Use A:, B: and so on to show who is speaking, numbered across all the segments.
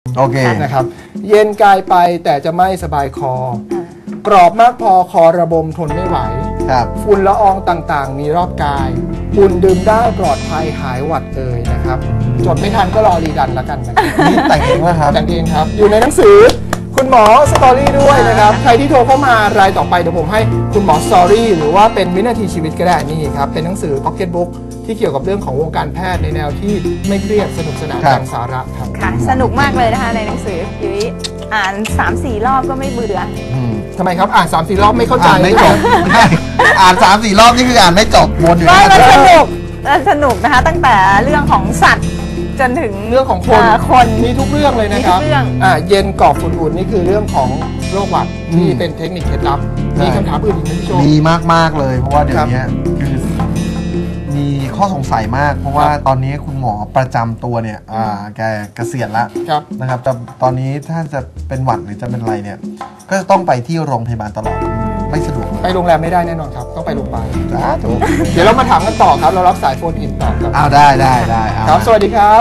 A: โอเค
B: นะครับเย็นกายไปแต่จะไม่สบายคอกรอบมากพอคอระบมทนไม่ไหวฝุ่นละอองต่างๆมีรอบกายอุ่นดื่มได้ปลอดภัยหายหวัดเลยนะครับจดไม่ทันก็รอรีดันแล้วกันนะครับ
A: นี่แต่งเองว่าครับ
B: แต่งเองครับอยู่ในหนังสือคุณหมอสตอรี่ด้วยนะครับใครที่โทรเข้ามารายต่อไปเดี๋ยวผมให้คุณหมอสตอรี่หรือว่าเป็นวินาทีชีวิตก็ได้นี่ครับเป็นหนังสือ Pocket Book ที่เกี่ยวกับเรื่องของวงการแพทย์ในแนวที่ไม่เครียดสนุกสนานแรงสาระครับ
C: ค่ะสนุกมากเลยนะคะในหนังสือยุ้ยอ่าน 3-4 รอบก็ไม่เบื่อ
B: ทำไมครับอ่าน 3-4 รอบไม่เข้าใจ
A: ไม่จบอ่าน 3-4 รอบนี่คืออ่านไม่จบวนอยู่
C: มันสนุกนะคะตั้งแต่เรื่องของสัตว์จนถึง
B: เรื่องของคนมีทุกเรื่องเลยนะครับเย็นกรอบฝุ่นนี่คือเรื่องของโรคหวัดที่เป็นเทคนิคเคล็ดลับมีคำถามอื่นอีกไหมพี่โจ
A: มีมากๆเลยเพราะว่าเดี๋ยวนี้คือมีข้อสงสัยมากเพราะว่าตอนนี้คุณหมอประจำตัวเนี่ยแกเกษียณแล้วนะครับแต่ตอนนี้ถ้าจะเป็นหวัดหรือจะเป็นอะไรเนี่ยก็จะต้องไปที่โรงพยาบาลตลอดไม่สะดวก
B: ไปโรงแรมไม่ได้แน่นอนครับต้องไปโรงพยาบาลเดี๋ยวเรามาถามกันต่อครับเรารับสายโฟนอินต่อครับ
A: ได้
B: ครับสวัสดีครับ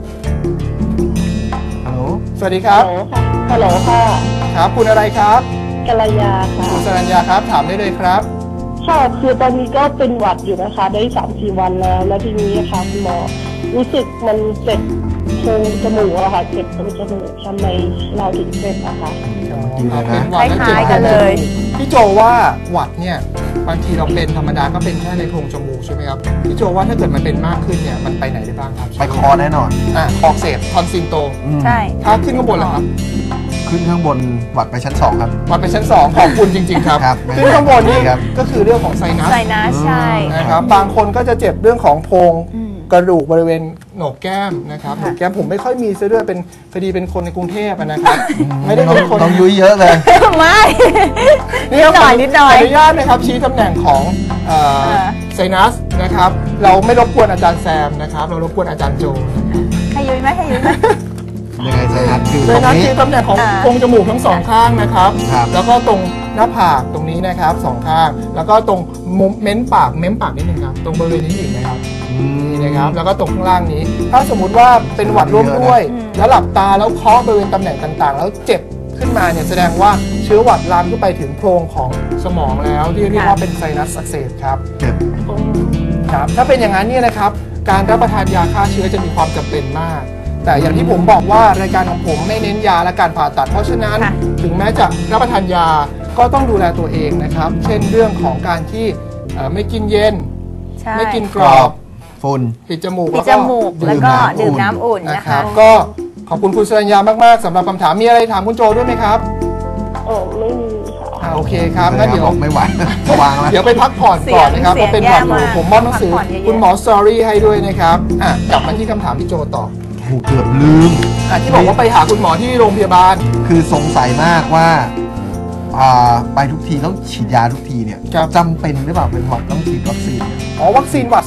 A: ฮัลโหล
B: สวัสดีครับ
D: ฮัลโหลค่ะ
B: ครับคุณอะไรครับ
D: กัลยาค่ะ
B: คุณสรัญญาครับถามได้เลยครับ
D: ค่ะคือตอนนี้ก็เป็นหวัดอยู่นะคะได้ 3-4 วันแล้วทีนี้ค่ะคุณหมอรู้สึกมันเจ็บโพรงจมูกอะค่ะเจ็บตรงจมูกทำไมเราถึงเจ็บอะคะ
C: คล้ายๆกันเลย
B: พี่โจว่าหวัดเนี่ยบางทีเราเป็นธรรมดาก็เป็นแค่ในโพรงจมูกใช่ไหมครับพี่โจว่าถ้าเกิดมันเป็นมากขึ้นเนี่ยมันไปไหนได้บ้างครับ
A: ไปคอแน่นอน
B: คอเสพทอนซิลโต
C: ใช่
B: ถ้าขึ้นข้างบนเหรอครับ
A: ขึ้นข้างบนหวัดไปชั้น2ครับ
B: หวัดไปชั้น2ขอบคุณจริงๆครับขึ้นข้างบนนี่ก็คือเรื่องของไซนัส
C: ใช่
B: นะครับบางคนก็จะเจ็บเรื่องของโพรงกระดูกบริเวณโหนกแก้มนะครับโหนกแก้มผมไม่ค่อยมีซะด้วยเป็นพอดีเป็นคนในกรุงเทพนะครับไม่ได้เป็นคน
A: ต้องยุ้ยเยอะเลย
C: ไม่นิดหน่อย
B: ขออนุญาตนะครับชี้ตำแหน่งของไซนัสนะครับเราไม่รบกวนอาจารย์แซมนะครับเรารบกวนอาจารย์โจ
C: ให้ยุ้ยไหม
A: ยังไงไซนัสคือ
B: ตำแหน่งของโพรงจมูกทั้งสองข้างนะครับแล้วก็ตรงหน้าผากตรงนี้นะครับสองข้างแล้วก็ตรงเม้มปากนิดนึงครับตรงบริเวณนี้อีกนะครับนี่นะครับแล้วก็ตรงข้างล่างนี้ถ้าสมมุติว่าเป็นหวัดร่วมด้วยแล้วหลับตาแล้วเคาะบริเวณตำแหน่งต่างๆแล้วเจ็บขึ้นมาเนี่ยแสดงว่าเชื้อหวัดลามขึ้นไปถึงโพรงของสมองแล้วที่เรียกว่าเป็นไซนัสอักเสบครับถ้าเป็นอย่างนั้นเนี่ยนะครับการรับประทานยาฆ่าเชื้อจะมีความจำเป็นมากแต่อย่างที่ผมบอกว่ารายการของผมไม่เน้นยาและการผ่าตัดเพราะฉะนั้นถึงแม้จะรับประทานยาก็ต้องดูแลตัวเองนะครับเช่นเรื่องของการที่ไม่กินเย็นไม่กินกรอบ
A: ฝุ่น
B: ปิดจมูก
C: แล้วก็ดื่มน้ำอุ่นนะคะ
B: ก็ขอบคุณคุณสรัญญามากๆสำหรับคำถามมีอะไรถามคุณโจด้วยไหมครับ
D: ไม่มีค่ะ
B: โอเคครับงั้นเดี๋ยว
A: ไม่ไหววางแล้ว
B: เดี๋ยวไปพักผ่อนก่อนนะครับเพราะเป็นหวัดอยู่ผมมอบหนังสือคุณหมอสตอรี่ให้ด้วยนะครับกลับมาที่คำถามพี่โจต่อ
A: เกือบลืม
B: ที่บอกว่าไปหาคุณหมอที่โรงพยาบาล
A: คือสงสัยมากว่าไปทุกทีต้องฉีดยาทุกทีเนี่ยจำเป็นหรือเปล่าเป็นหวัดต้องฉีดวัคซีน
B: วัคซีนหวัด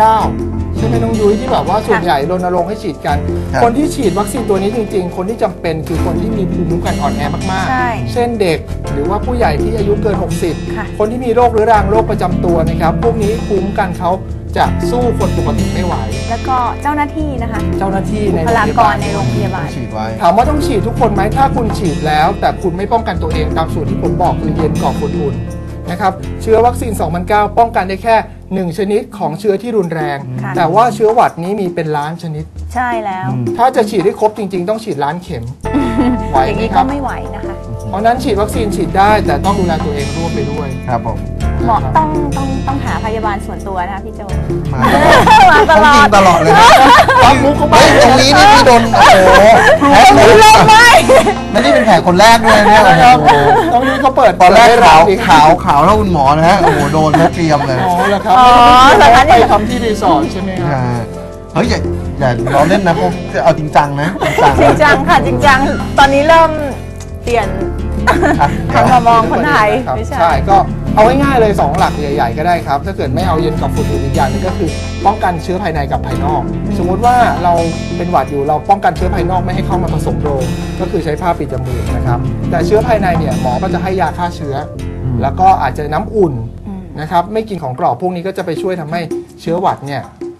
B: 2009 ใช่ไหมน้องยุ้ยที่แบบว่าส่วนใหญ่รณรงค์ให้ฉีดกันคนที่ฉีดวัคซีนตัวนี้จริงๆคนที่จำเป็นคือคนที่มีภูมิคุ้มกันอ่อนแอมากๆเช่นเด็กหรือว่าผู้ใหญ่ที่อายุเกิน60คนที่มีโรคเรื้อรังโรคประจำตัวนะครับพวกนี้ภูมิคุ้มกันเขาจะสู้คนปกติไม่ไหว
C: แล้วก็เจ้าหน้าที่นะคะ
B: เจ้าหน้าที่ใน
C: บุคลากรในโรงพยาบาล
A: ฉีดไว้
B: ถามว่าต้องฉีดทุกคนไหมถ้าคุณฉีดแล้วแต่คุณไม่ป้องกันตัวเองตามสูตรที่ผมบอกคือเย็นกรอบอุ่นๆนะครับเชื้อวัคซีน 2009 ป้องกันได้แค่1ชนิดของเชื้อที่รุนแรงแต่ว่าเชื้อหวัดนี้มีเป็นล้านชนิด
C: ใช่แล้ว
B: ถ้าจะฉีดให้ครบจริงๆต้องฉีดล้านเข็ม
C: ไหวไหมครับไม่ไหวนะคะ
B: เพราะนั้นฉีดวัคซีนฉีดได้แต่ต้องดูแลตัวเองร่วมไปด้วย
A: ครับผม
C: หมอต้องหาพยาบาลส่วนตัวนะคะพี่โจ
A: มาตลอดเลยนะ
B: มุกเขาไป
A: ตรงนี้นี่พี่โดนโอ้โห
C: แผลเลย
A: ไม่ได้เป็นแผลคนแรกด้วยเนี่ย
B: ตรงนี้เขาเปิด
A: ตอนแรกขาวเท่าคุณหมอนะฮะโอ้โหโดนแม่เตรียมเลย
B: เหรอครับไปทำที่รีสอร์ทใช่ไหมครับ
A: เฮ้ยอย่าล้อเล่นนะพวกเอาจริงจังนะ
C: จริงจังค่ะจริงจังตอนนี้เริ่มเปลี่ยนมามองคนไทย
B: ใช่ก็เอาง่ายๆเลย2หลักใหญ่ๆก็ได้ครับถ้าเกิดไม่เอาเย็นกับฝุ่นอีกอย่างนึงก็คือป้องกันเชื้อภายในกับภายนอกสมมุติว่าเราเป็นหวัดอยู่เราป้องกันเชื้อภายนอกไม่ให้เข้ามาผสมโรงก็คือใช้ผ้าปิดจมูกนะครับแต่เชื้อภายในเนี่ยหมอก็จะให้ยาฆ่าเชื้อแล้วก็อาจจะน้ำอุ่นนะครับไม่กินของกรอบพวกนี้ก็จะไปช่วยทำให้เชื้อหวัดเนี่ย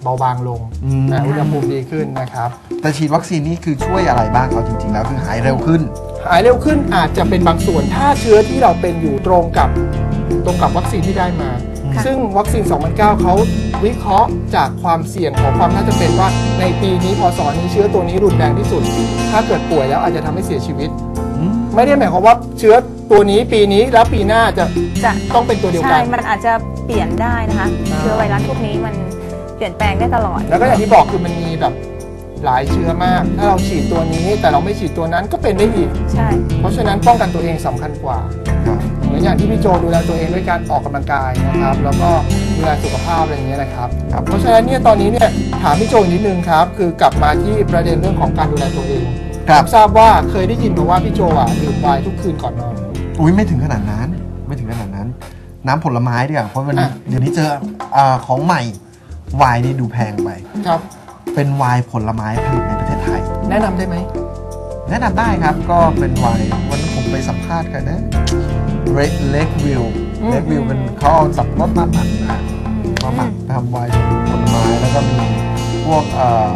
B: เบาบางลงอุณหภูมิดีขึ้นนะครับ
A: แต่ฉีดวัคซีนนี่คือช่วยอะไรบ้างเอาจริงๆแล้วคือหายเร็วขึ้น
B: อาจจะเป็นบางส่วนถ้าเชื้อที่เราเป็นอยู่ตรงกับวัคซีนที่ได้มาซึ่งวัคซีน 2009 เขาวิเคราะห์จากความเสี่ยงของความน่าจะเป็นว่าในปีนี้พศนี้เชื้อตัวนี้รุนแรงที่สุดถ้าเกิดป่วยแล้วอาจจะทำให้เสียชีวิตไม่ได้หมายความว่าเชื้อตัวนี้ปีนี้แล้วปีหน้าจะต้องเป็นตัวเดียวกัน
C: ใช่มันอาจจะเปลี่ยนได้นะคะเชื้อไวรัสพวกนี้มันเปลี่ยนแปลงได้ตลอด
B: แล้วก็อย่างที่บอกคือมันมีแบบหลายเชื้อมากถ้าเราฉีดตัวนี้แต่เราไม่ฉีดตัวนั้นก็เป็นได้อีก
C: ใช่
B: เพราะฉะนั้นป้องกันตัวเองสำคัญกว่าเหมือนอย่างที่พี่โจดูแลตัวเองด้วยการออกกำลังกายนะครับแล้วก็ดูแลสุขภาพอะไรอย่างเงี้ยนะครับเพราะฉะนั้นเนี่ยตอนนี้เนี่ยถามพี่โจนิดนึงครับคือกลับมาที่ประเด็นเรื่องของการดูแลตัวเองผมทราบว่าเคยได้ยินมาว่าพี่โจดื่มไวน์ทุกคืนก่อนนอน
A: อุ้ยไม่ถึงขนาดนั้นน้ำผลไม้ดีกว่าเพราะมันเดี๋ยวนี้เจอของใหม่ไวน์นี่ดูแพงไป
B: ครับ
A: เป็นไวน์ผลไม้ผลิตในประเทศไทย
B: แนะนำได้ไหม
A: แนะนำได้ครับก็เป็นไวน์วันนั้นผมไปสัมภาษณ์กันนะเล็กวิวเป็นเขาเอาสับปะรดมาหมักทำไวน์ผลไม้แล้วก็มีพวก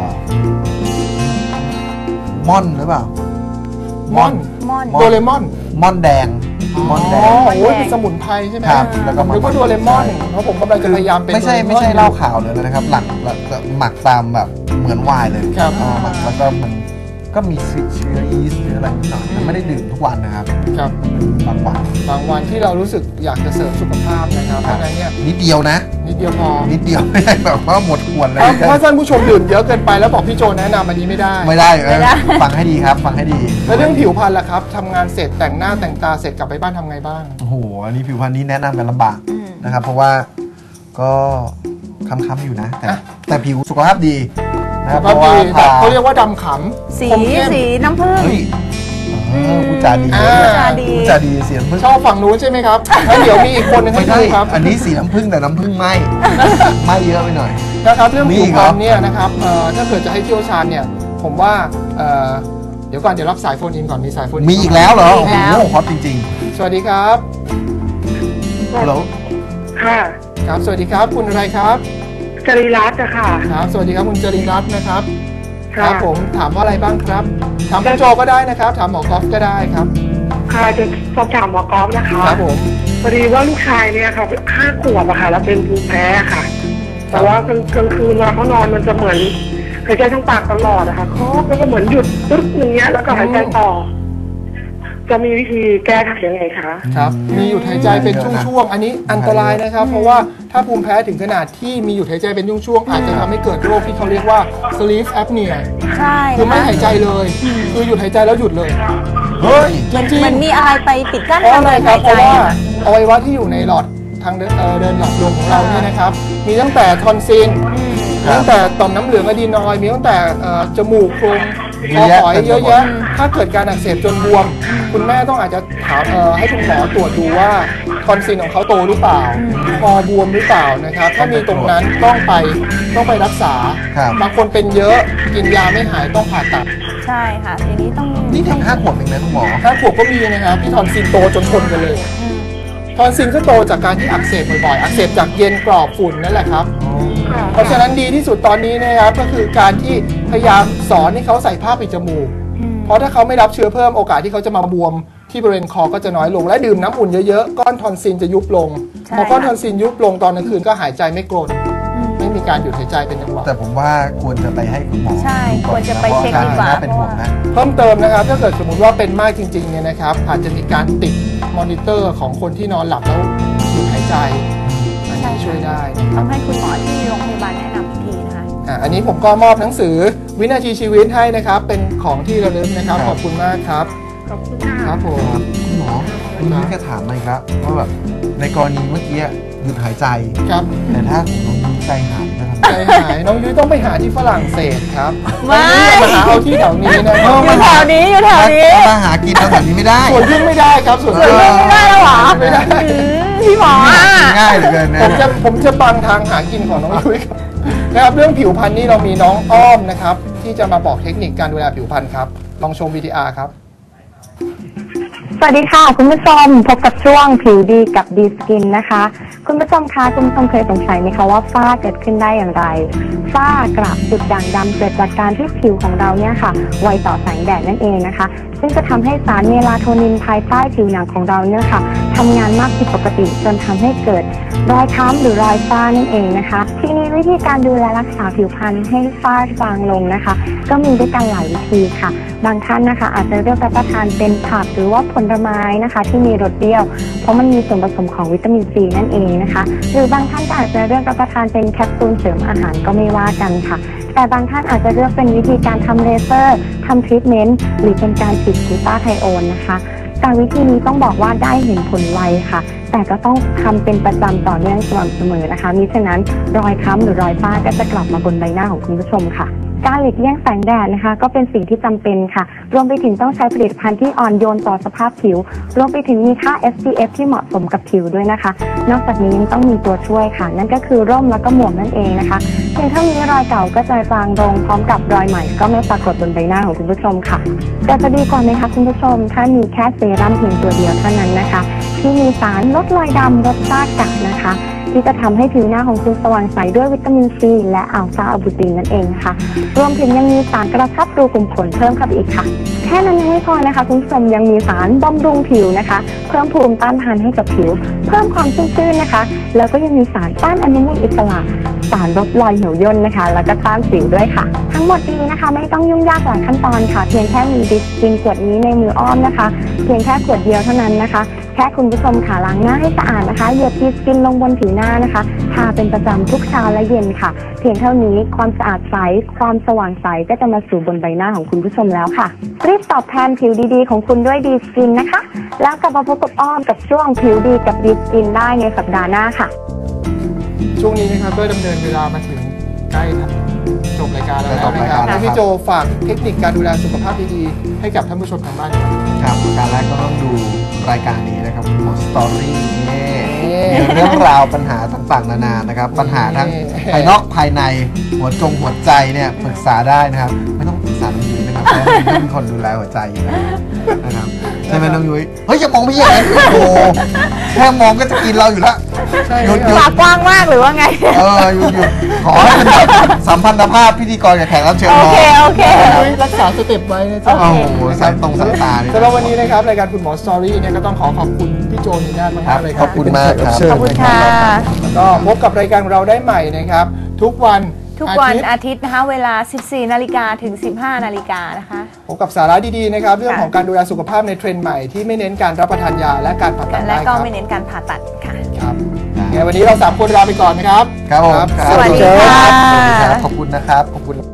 A: ม่อนหรือเปล่า
C: ม่อน
B: โดเรมอน
A: ม่อนแดง
B: โอ้ยเป็นสมุนไพรใช่ไหม
A: ครับแล้วก็
B: โดเรมอนเพราะผมกำลังจะพยายามเป็น
A: ไม่ใช่เหล้าขาวเลยนะครับหลังหมักตามแบบเหมือนไวน์เลยหมักแล้วก็มันก็มีเชื้อยีสต์หรืออะไรนิดหน่อยแต่ไม่ได้ดื่มทุกวันนะครับบาง
B: วันที่เรารู้สึกอยากจะเสริมสุขภาพนะครับเพราะนั้นเนี่ย
A: นิดเดียวนะ
B: นิดเดียวพอ
A: ไม่ใช่แบบว่าหมดขวดเลย
B: เพราะท่านผู้ชมดื่มเยอะเกินไปแล้วบอกพี่โจแนะนำอันนี้ไม่ได้
A: ฟังให้ดีครับฟังให้ดี
B: แล้วเรื่องผิวพรรณล่ะครับทำงานเสร็จแต่งหน้าแต่งตาเสร็จกลับไปบ้านทำไงบ้าง
A: โอ้โหอันนี้ผิวพรรณนี้แนะนำกันลำบากนะครับเพราะว่าก็ค้ำๆอยู่นะแต่ผิวสุขภาพดี
B: เพราะว่าเขาเรียกว่าดำขำ
C: สีน้ำผึ้ง
A: ผู้จาดีเสียงพึ่ง
B: ชอบฝั่งนู้นใช่ไหมครับแล้วเดี๋ยวมีอีกคนนึงให้ดูครับ
A: อันนี้สีน้ำผึ้งแต่น้ำผึ้งไม่เยอะไปหน่อย
B: นะครับเรื่องผิวพรรณเนี่ยนะครับถ้าเกิดจะให้เชี่ยวชาญเนี่ยผมว่าเดี๋ยวก่อนเดี๋ยวรับสายโฟนอินก่อนมีสายโฟน
A: มีอีกแล้วเหรอโอ้โหฮอตจริง
B: ๆสวัสดีครับ
A: ฮัลโหล
D: ค่ะ
B: ครับสวัสดีครับคุณอะไรครับ
D: จริรัตน์ค่ะ
B: ครับสวัสดีครับคุณจริรัตน์นะครับครับผมถามว่าอะไรบ้างครับถามคุณโจก็ได้นะครับถามหมอกอล์ฟก็ได้ครับ
D: ค่ะจะสอบถามหมอกอล์ฟนะคะ
B: ครับผม
D: พอดีว่าลูกชายเนี่ยค่ะ5 ขวบอะค่ะแล้วเป็นภูมิแพ้ค่ะแต่ว่ากลางคืนเวลาเขานอนมันจะเหมือนหายใจทั้งปากตลอดนะคะแล้วก็เหมือนหยุดปึ๊บอย่างเงี้ยแล้วก็หายใจต่อจะมีวิธีแก้ไขยังไงคะ
B: ครับมีหยุดหายใจเป็นช่วงๆอันนี้อันตรายนะครับเพราะว่าถ้าภูมิแพ้ถึงขนาดที่มีหยุดหายใจเป็นช่วงๆอาจจะทำให้เกิดโรคที่เขาเรียกว่า sleep apnea
C: ใช่
B: คือไม่หายใจเลยคือหยุดหายใจแล้วหยุดเลย
A: เฮ้ย
C: จริงมันมีอะไรไปปิดกั้น
B: การหายใจเพราะว่าอวัยวะที่อยู่ในหลอดทางเดินหลอดลมของเราเนี่ยนะครับมีตั้งแต่ทอนซิลมีตั้งแต่ต่อมน้ำเหลืองอะดีนอยด์มีตั้งแต่จมูกโพรงคอหอยเยอะแยะถ้าเกิดการอักเสบจนบวมคุณแม่ต้องอาจจะถามให้คุณหมอตรวจดูว่าทอนซิลของเขาโตหรือเปล่าคอบวมหรือเปล่านะครับถ้ามีตรงนั้นต้องไปรักษาบางคนเป็นเยอะกินยาไม่หายต้องผ่าตัด
C: ใช่ค่ะทีนี้ต้อง
A: นี่ถึง5 ขวบเองนะคุณหมอ
B: 5 ขวบก็มีนะครับที่ทอนซิลโตจนทนกันเลยทอนซิลก็โตจากการที่อักเสบบ่อยๆอักเสบจากเย็นกรอบฝุ่นนั่นแหละครับเพราะฉะนั้นดีที่สุดตอนนี้นะครับก็คือการที่พยายามสอนให้เขาใส่ผ้าปิดจมูกเพราะถ้าเขาไม่รับเชื้อเพิ่มโอกาสที่เขาจะมาบวมที่บริเวณคอก็จะน้อยลงและดื่มน้ำอุ่นเยอะๆก้อนทอนซิลจะยุบลงพอก้อนทอนซิลยุบลงตอนกลางคืนก็หายใจไม่กรนไม่มีการหยุดหายใจเป็นจังหวะ
A: แต่ผมว่าควรจะไปให้คุณหมอ
C: ใช่ควรจะไปเช็คดีกว่า
A: เป็นห่วงนะ
B: เพิ่มเติมนะครับถ้าเกิดสมมติว่าเป็นมากจริงๆเนี่ยนะครับอาจจะมีการติดมอนิเตอร์ของคนที่นอนหลับแล้วหยุดหายใจอันนี้ช่วยได้
C: ต้องให้คุณหมอที่โรงพยาบาลแนะนำอีกทีนะคะ
B: อันนี้ผมก็มอบหนังสือวินาทีชีวิตให้นะครับเป็นของที่ระลึกนะครับขอบคุณมากครับ
D: ขอบคุณค่ะ
B: ครับผม
A: คุณหมอคุณนี้แค่ถามมาอีกแล้วว่าแบบในกรณีเมื่อกี้หยุดหายใจ
B: ครับ
A: แต่ถ้าของน้องยุ้ยใจหายจะทำ
B: ใจหายน้องยุ้ยต้องไปหาที่ฝรั่งเศสครับไม่มาหาเอาที่แถวนี้นะ
C: อยู่แถวนี้
A: มาหากินแถวนี้ไม่ได้
B: ส่วนพึ่งไม่ได้ครับส่วน
C: พึ่งไม่ได้แล้วหรอ
B: ไม่ได้
C: พี่หมอ
A: ง่ายเหลือเกินนะ
B: ผมจะบังทางหากินของน้องยุ้ยครับนะครับเรื่องผิวพรรณนี่เรามีน้องอ้อมนะครับที่จะมาบอกเทคนิคการดูแลผิวพรรณครับลองชม VTR ครับ
E: สวัสดีค่ะคุณผู้ชมพบกับช่วงผิวดีกับดีสกินนะคะคุณผู้ชมคะคุณผู้ชมเคยสงสัยไหมคะว่าฝ้าเกิดขึ้นได้อย่างไรฝ้ากระจุดด่างดำเกิดจากการที่ผิวของเราเนี่ยค่ะไวต่อแสงแดดนั่นเองนะคะซึ่งจะทำให้สารเมลาโทนินภายใต้ผิวหนังของเราเนี่ยค่ะทำงานมากผิดปกติจนทำให้เกิดรอยค้ำหรือรอยฝ้านั่นเองนะคะทีนี้วิธีการดูแลรักษาผิวพรรณให้ฝ้าบางลงนะคะก็มีด้วยกันหลายวิธีค่ะบางท่านนะคะอาจจะเลือกรับประทานเป็นผักหรือว่าผลไม้นะคะที่มีรสเปรี้ยวเพราะมันมีส่วนผสมของวิตามินซีนั่นเองนะคะหรือบางท่านก็อาจจะเลือกรับประทานเป็นแคปซูลเสริมอาหารก็ไม่ว่ากันค่ะแต่บางท่านอาจจะเลือกเป็นวิธีการทำเลเซอร์ทำทรีทเมนต์หรือเป็นการฉีดกลูตาไทโอนนะคะแต่วิธีนี้ต้องบอกว่าได้เห็นผลไวค่ะแต่ก็ต้องทำเป็นประจำต่อเนื่องสม่ำเสมอนะคะมิฉะนั้นรอยค้ำหรือรอยฝ้าก็จะกลับมาบนใบหน้าของคุณผู้ชมค่ะการหลีกเลี่ยงแสงแดดนะคะก็เป็นสิ่งที่จำเป็นค่ะรวมไปถึงต้องใช้ผลิตภัณฑ์ที่อ่อนโยนต่อสภาพผิวรวมไปถึงมีค่า SPF ที่เหมาะสมกับผิวด้วยนะคะนอกจากนี้ยังต้องมีตัวช่วยค่ะนั่นก็คือร่มแล้วก็หมวกนั่นเองนะคะเพียงเท่านี้รอยเก่าก็จะจางลงพร้อมกับรอยใหม่ก็ไม่ปรากฏบนใบหน้าของคุณผู้ชมค่ะแต่จะดีกว่าไหมคะคุณผู้ชมถ้ามีแค่เซรั่มเพียงตัวเดียวเท่านั้นนะคะที่มีสารลดรอยดำลดฝ้ากระนะคะที่จะทำให้ผิวหน้าของคุณสว่างใสด้วยวิตามินซีและอัลฟาอะบูตินนั่นเองค่ะรวมถึงยังมีสารกระชับรูขุมขนเพิ่มเข้าไปอีกค่ะแค่นั้นยังไม่พอนะคะคุณผู้ชมยังมีสารบำรุงผิวนะคะเพิ่มภูมิต้านทานให้กับผิวเพิ่มความชุ่มชื่นนะคะแล้วก็ยังมีสารต้านอนุมูลอิสระสารลดรอยเหี่ยวย่นนะคะแล้วก็ต้านสิวด้วยค่ะทั้งหมดนี้นะคะไม่ต้องยุ่งยากหลายขั้นตอนค่ะเพียงแค่มีดิสกินขวดนี้ในมืออ้อมนะคะเพียงแค่ขวดเดียวเท่านั้นนะคะแค่คุณผู้ชมค่ะล้างหน้าให้สะอาดนะคะเหยียบดีสกินลงบนผิวหน้านะคะทาเป็นประจำทุกเช้าและเย็นค่ะเพียงเท่านี้ความสะอาดใสความสว่างใสก็จะมาสู่บนใบหน้าของคุณผู้ชมแล้วค่ะรีบตอบแทนผิวดีๆของคุณด้วยดีสกินนะคะแล้วกลับมาพบกับอ้อมกับช่วงผิวดีกับดีสกินได้ในสัปดาห์หน้าค่ะ
B: ช่วงนี้นะครับก็ดำเนินเวลามาถึงใกล้จบรายการแล้วนะครับพี่โจฝากเทคนิคการดูแลสุขภาพดีๆให้กับท่านผู้ชมทางบ้าน
A: ครับการแรกก็ต้องดูรายการนี้นะครับหมอสตอรี่เรื่องราวปัญหาต่างๆนานานะครับปัญหาทั้งภายนอกภายในหัวใจเนี่ยปรึกษาได้นะครับไม่ต้องปรึกษาน้องยุ้ยนะครับเพราะน้องยุ้ยเป็นคนดูแลหัวใจอยู่นะครับใช่ไหมน้องยุ้ยเฮ้ยอย่ามองพี่อย่างนั้นโอ้แค่มองก็จะกินเราอยู่แล้ว
C: ปากกว้างมากหรือว่าไง
A: หยุดขอให้เป็นสัมพันธภาพพิธีกรกับแขกรับเชิญ
C: โอเค
B: รักษาสเต็ปไว้นะจ๊ะ
A: โอ้โหสายตรงสายตา
B: สำหรับวันนี้นะครับรายการคุณหมอสตอรี่เนี่ยก็ต้องขอบคุณพี่โจนีน่ามากเลยครับ
A: ขอบคุณมากครับ
C: ขอบคุณค่ะ
B: แล้วก็พบกับรายการของเราได้ใหม่นะครับทุกวัน
C: อาทิตย์นะคะเวลา 14 นาฬิกาถึง 15 นาฬิกานะคะ
B: พบกับสาระดีๆนะครับเรื่องของการดูแลสุขภาพในเทรนด์ใหม่ที่ไม่เน้นการรับประทานยาและการผ่าตัด
C: และก็ไม่เน้นการผ่าตัดค่ะ
B: ครับงั้นวันนี้เรา3 คนลาไปก่อนนะครับ
A: ครับผม
C: สวัสดีค่ะ
A: ขอบคุณนะครับขอบคุณ